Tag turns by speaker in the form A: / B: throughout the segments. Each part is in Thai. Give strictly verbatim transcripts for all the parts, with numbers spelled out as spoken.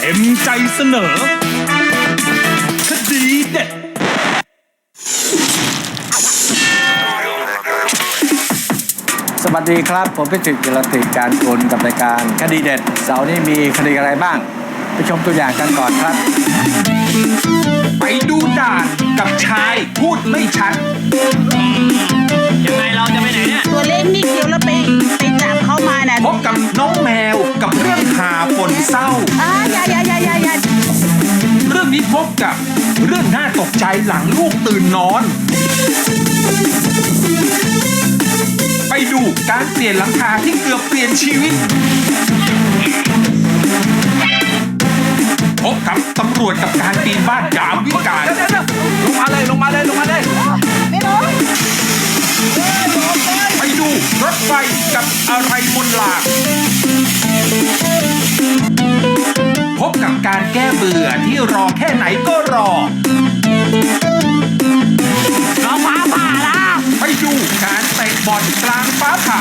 A: เต็มใจเสนอคดีเด็ด
B: สวัสดีครับผมพิจิตรกิรติการกุลกับรายการคดีเด็ดเสาร์นี้มีคดีอะไรบ้างไปชมตัวอย่างกันก่อนครับ
A: ไปดูด่านกับชายพูดไม่ชัด
C: ยังไงเราจะไปไหนเนี่ย
D: ตัวเล็กนิดเดียวแล้วไปไปจับเขามาน่ะ
A: พบกับน้องแมวกับเรื่องหาปนเศร้า
D: อ่าอย่าอย่าอย่าอย่าอย่า
A: เรื่องนี้พบกับเรื่องน่าตกใจหลังลูกตื่นนอนไปดูการเปลี่ยนหลังคาที่เกือบเปลี่ยนชีวิตพบกับตำรวจกับการปีนบ้านยามวิกาลลงมาเลยลงมาเลยลงมาเลย
D: ไม่รู้
A: ไปดูรถไฟกับอะไรมนลาพบกับการแก้เบื่อที่รอแค่ไหนก็รอ
C: เราฟ้าผ่าละ
A: ไปดูการเตะบอลกลางฟ้าผ่า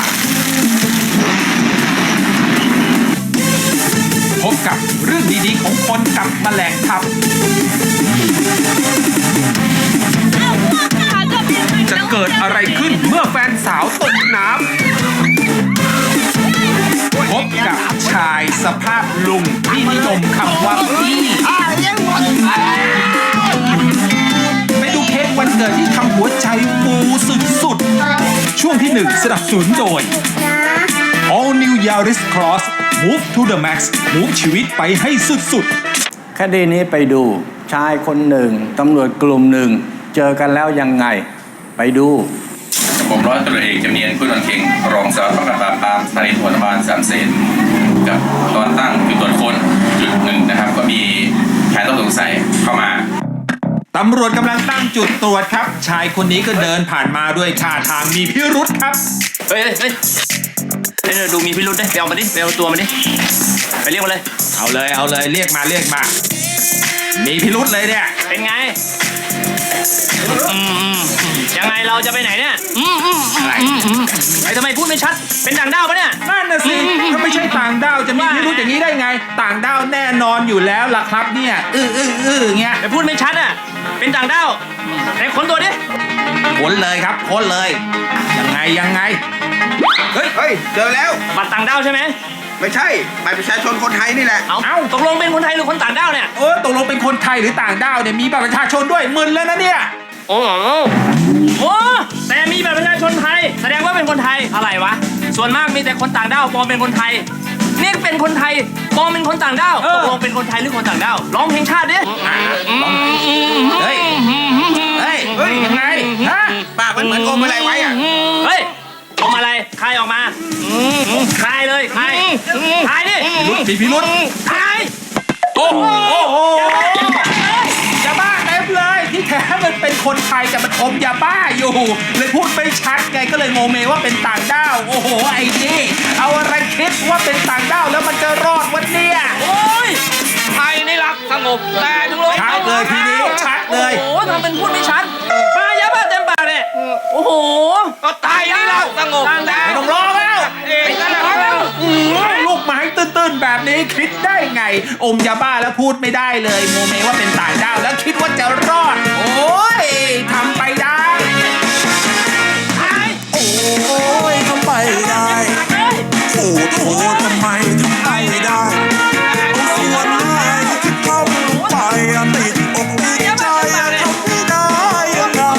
A: พบกับเรื่องดีๆของคนกับแมลงทับจะเกิดอะไรขึ้นเมื่อแฟนสาวตกน้ำพบกับชายสภาพลุงที่นิยมคำว่าพี่ไปดูเค้กวันเกิดที่ทำหัวใจฟูสุดๆช่วงที่หนึ่งสนับสนุนโดย All New Yaris Cross Move to the Max Move ชีวิตไปให้สุด
B: ๆคดีนี้ไปดูชายคนหนึ่งตำรวจกลุ่มหนึ่งเจอกันแล้วยังไงไปดู
E: ผมร้อยตำรวจเอกจำเนียนพุทธวันเค็งรองสารวัตรปราบปรามสถานีตำรวจนครบาลสามเสนกับตอนตั้งจุดตรวจค้นจุดหนึ่งนะครับก็มีชายต้องสงสัยเข้ามา
A: ตำรวจกำลังตั้งจุดตรวจครับชายคนนี้ก็เดินผ่านมาด้วยท่าทางมีพิรุธครับ
C: เฮ้ยเฮ้ยเฮ้ยดูมีพิรุธได้ไปเอามาดิไปเอาตัวมาดิไปเรียกมาเลย
A: เอาเลยเอาเลยเรียกมาเรียกมามีพิรุธเลยเนี่ย
C: เป็นไงอืมยังไงเราจะไปไหนเนี่ยอืมอืมอะไรไอ้ทำไมพูดไม่ชัดเป็นต่างด้าวปะเนี่ย
A: นั่นน่ะสิถ้าไม่ใช่ต่างด้าวจะมีพิรุธอย่างนี้ได้ไงต่างด้าวแน่นอนอยู่แล้วล่ะครับเนี่ยอื้ออื้ออื้อเงี้ย
C: แต่พูดไม่ชัดอ่ะเป็นต่างด้าวไหนค้นตัวดิ
A: ค้นเลยครับค้นเลยยังไงยังไง
F: เฮ้ยเฮ้ยเจอแล้ว
C: บัตรต่างด้าวใช่ไหม
F: ไม่ใช่บัตรประชาชนคนไทยนี่แหละ
C: เอ้าตกลงเป็นคนไทยหรือคนต่างด้าวเนี่ย
A: เออตกลงเป็นคนไทยหรือต่างด้าวเนี่ยมีบัตรประชาชนด้วยมึนแล้วนะเนี่ย
C: โอ้โหโอ้แต่มีบัตรประชาชนไทยแสดงว่าเป็นคนไทยอะไรวะส่วนมากมีแต่คนต่างด้าวปลอมเป็นคนไทยนี่เป็นคนไทยปลอมเป็นคนต่างด้าวตกลงเป็นคนไทยหรือคนต่างด้าวร้องเพลงชาติดิ
A: เฮ้ยเฮ้ยเฮ้ยยังไงฮะ
F: ปากมันเหมือนอมอะไรไว้อะ
C: เฮ้ยอมอะไรคายออกมาคายเลยคายคายดิ
A: รุดมีพิรุธ
C: คาย
A: โอ้โหยาบ้าเต็มเลยที่แท้มันเป็นคนไทยแต่มันอมยาบ้าอยู่เลยพูดไม่ชัดไงก็เลยโมเมว่าเป็นต่างด้าวโอ้โหไอ้นี่เอาอะไรคิดว่าเป็นต่างด้าวแล้วมันจะรอดวันเนี้ย
C: โอ้ยไทยนี่รักสงบแต่ถึงเลย
A: ชัดเลยทีนี้ชัดเลย
C: โอ้โหทำเป็นพูดไม่ชัดมายาบ้าเต็มปากเนี่ยโอ้โห
F: ก็ไทยนี่รักสงบ
A: แต่ไม่ต้องรอแล้วลูกไม้ตื้นๆแบบนี้คิดได้ไงอมยาบ้าแล้วพูดไม่ได้เลยโมเมว่าเป็นต่างด้าวแล้วคิดว่าจะรอดโอ้ยทำไปได้
G: โอ้ยทำไปได้โอ้โหทำไมทำไปได้ส่วนไหนที่ทำไปติดอกติดใจทำไม่ได้ยังไง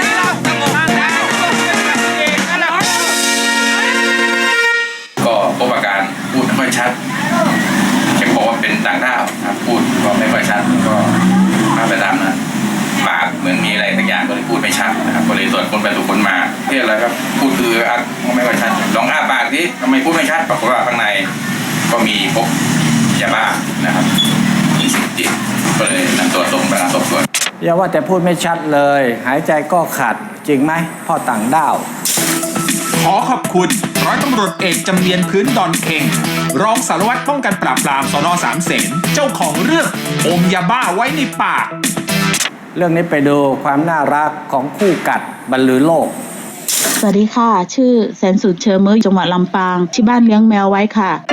E: ก็พบอาการพูดไม่ค่อยชัดเช็คบอกว่าเป็นต่างด้าวครับพูดก็ไม่ค่อยชัดก็มาไปตามนะปากเหมือนมีอะไรสักอย่างก็เลยพูดไม่ชัดนะครับก็เลยตรวจคนไปตรวจคนมาเพื่ออะไรครับพูดคืออัดไม่ค่อยชัดลองอ้าปากดิทำไมพูดไม่ชัดปรากฏว่าข้างในก็มีพบยาบ้านะครับมีสิ่งติดก็เลยนำตัวส่งไปสอบสวน
B: อย่าว่าแต่พูดไม่ชัดเลยหายใจก็ขัดจริงไหมพ่อต่างด้าว
A: ขอขอบคุณร้อยตำรวจเอกจำเนียนพื้นดอนเค็งรองสารวัตรป้องกันปราบปรามสน.สามเสนเจ้าของเรื่องอมยาบ้าไว้ในปาก
B: เรื่องนี้ไปดูความน่ารักของคู่กัดบรรลือโลก
D: สวัสดีค่ะชื่อแสนสุดเชอร์เมอร์จังหวัดลำปางที่บ้านเลี้ยงแมวไว้ค่ะ
A: ข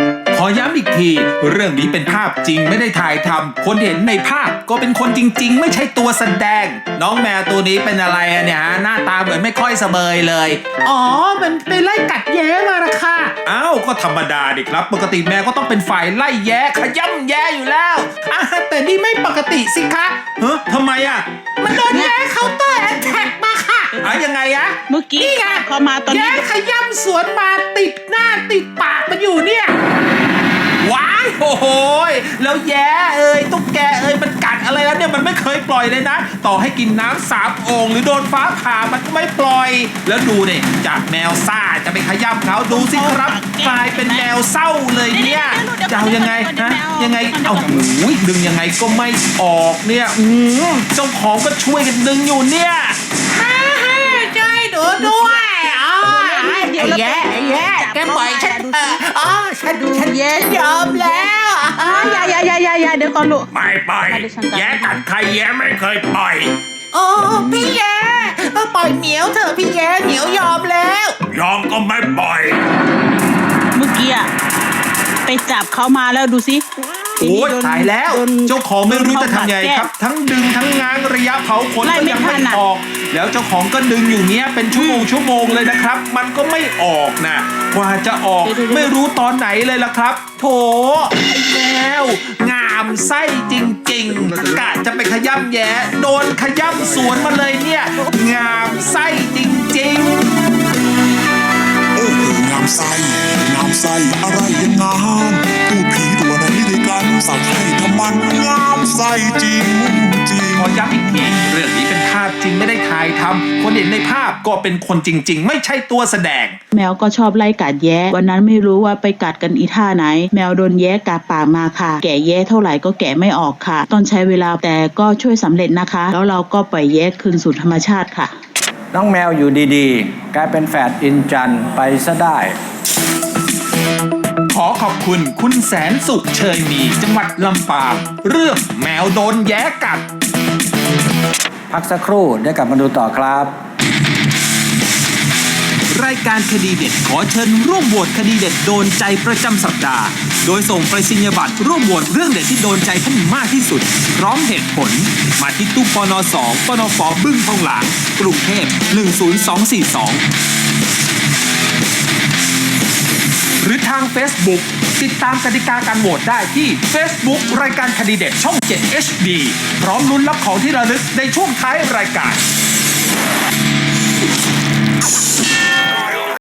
A: อย้ำอีกที เรื่องนี้เป็นภาพจริงไม่ได้ถ่ายทำคนเห็นในภาพก็เป็นคนจริงๆ ไม่ใช่ตัวแสดง น้องแมวตัวนี้เป็นอะไรอะเนี่ยฮะหน้าตาเหมือนไม่ค่อยเสบยเลยอ๋อมันไปไล่กัดแย้มาละค่ะอ้าวก็ธรรมดาดิครับปกติแมวก็ต้องเป็นฝ่ายไล่แย้ขย้ำแย้อยู่แล้วอ่ะแต่นี่ไม่ปกติสิคะเฮ้ยทำไมอะมันโดนแย้เคาน์เตอร์แอทแทกมาค่ะอ่ะยังไงอะ
D: เมื่อกี้เขามาตอน
A: แย้
D: นี้
A: ขย้ำสวนมาติดหน้าติดปากมันอยู่เนี่ยว้ายโอ้โหยแล้วแย้เอ้ยตุ๊กแกเอ้ยมันกัดอะไรแล้วเนี่ยมันไม่เคยปล่อยเลยนะต่อให้กินน้ำสามโอ่งหรือโดนฟ้าผ่ามันก็ไม่ปล่อยแล้วดูเนี่ยจากแมวซ่าจะไปขย้ำเขาดูสิครับกลายเป็นแมวเศร้าเลยเนี่ยจะเอายังไงฮะยังไงเอาโอ้ยดึงยังไงก็ไม่ออกเนี่ยอืมเจ้าของก็ช่วยกันดึงอยู่เนี่ยช่วยดูด้วยอ๋อแย่แย่แกปล่อยฉันเถอะอ๋อฉันฉันยอมแล้ว
D: อ่าอย่าอย่าอย่าอย่าอย่าเดี๋ยวก่อนลูก
A: ไม่ปล่อย
D: มาดิฉันตาม
A: แย่กัดใครแย่ไม่เคยปล่อย
H: โอ้พี่แย้ปล่อยเหมียวเถอะพี่แย้เหมียวยอมแล้ว
A: ยอมก็ไม่ปล่อย
D: เมื่อกี้อะไปจับเขามาแล้วดูสิ
A: โอ้ย
D: โดน
A: ตายแล้ว
D: โดน
A: เจ้าของไม่รู้จะทำไง
D: โดนเขา
A: ครับ ทั้งดึงทั้งง้างระยะเผาขน
D: ไล่
A: ก็
D: ไม่
A: ยังไม่
D: ทันอะ
A: ออก แล้วเจ้าของก็ดึงอยู่เนี้ยเป็นชั่วโมงชั่วโมงเลยนะครับ มันก็ไม่ออกนะกว่าจะออกไม่รู้ตอนไหนเลยล่ะครับ โถไอ้แมวงามไส้จริงๆกะจะไปขย้ำแย่โดนขย้ำสวนมาเลยเนี่ยงามไส้จริงๆ
G: โอ้โหงามไส้งามไส้อะไรยังงามพูดผีตัวไหนด้วยกันสักให้ทำมันงามไส้จริงจริง
A: ขอย้ำอีกทีเรื่องนี้เป็นภาพจริงไม่ได้ถ่ายทำคนเห็นในภาพก็เป็นคนจริง ๆ ไม่ใช่ตัวแสดง
D: แมวก็ชอบไล่กัดแย้วันนั้นไม่รู้ว่าไปกัดกันอีท่าไหน แมวโดนแย้กัดปากมาค่ะ แกะแย้เท่าไหร่ก็แกะไม่ออกค่ะต้องใช้เวลาแต่ก็ช่วยสำเร็จนะคะ แล้วเราก็ปล่อยแย้คืนสู่ธรรมชาติค่ะ
B: น้องแมวอยู่ดีๆ กลายเป็นแฝดอินจันไปซะได้
A: ขอขอบคุณคุณแสนสุขเชยมีจังหวัดลำปางเรื่องแมวโดนแย้กัด
B: พักสักครู่ได้กลับมาดูต่อครับ
A: รายการคดีเด็ดขอเชิญร่วมโหวตคดีเด็ดโดนใจประจำสัปดาห์ โดยส่งไปรษณียบัตรร่วมโหวตเรื่องเด็ดที่โดนใจท่านมากที่สุด พร้อมเหตุผล มาที่ตู้ปนสองปนฟบึ้งทองหลางกรุงเทพหนึ่งศูนย์สองสี่สองหรือทาง Facebook ติดตามกติกาการโหวตได้ที่ Facebook รายการคดีเด็ดช่อง เจ็ด เอช ดี พร้อมลุ้นรับของที่ระลึกในช่วงท้ายรายการ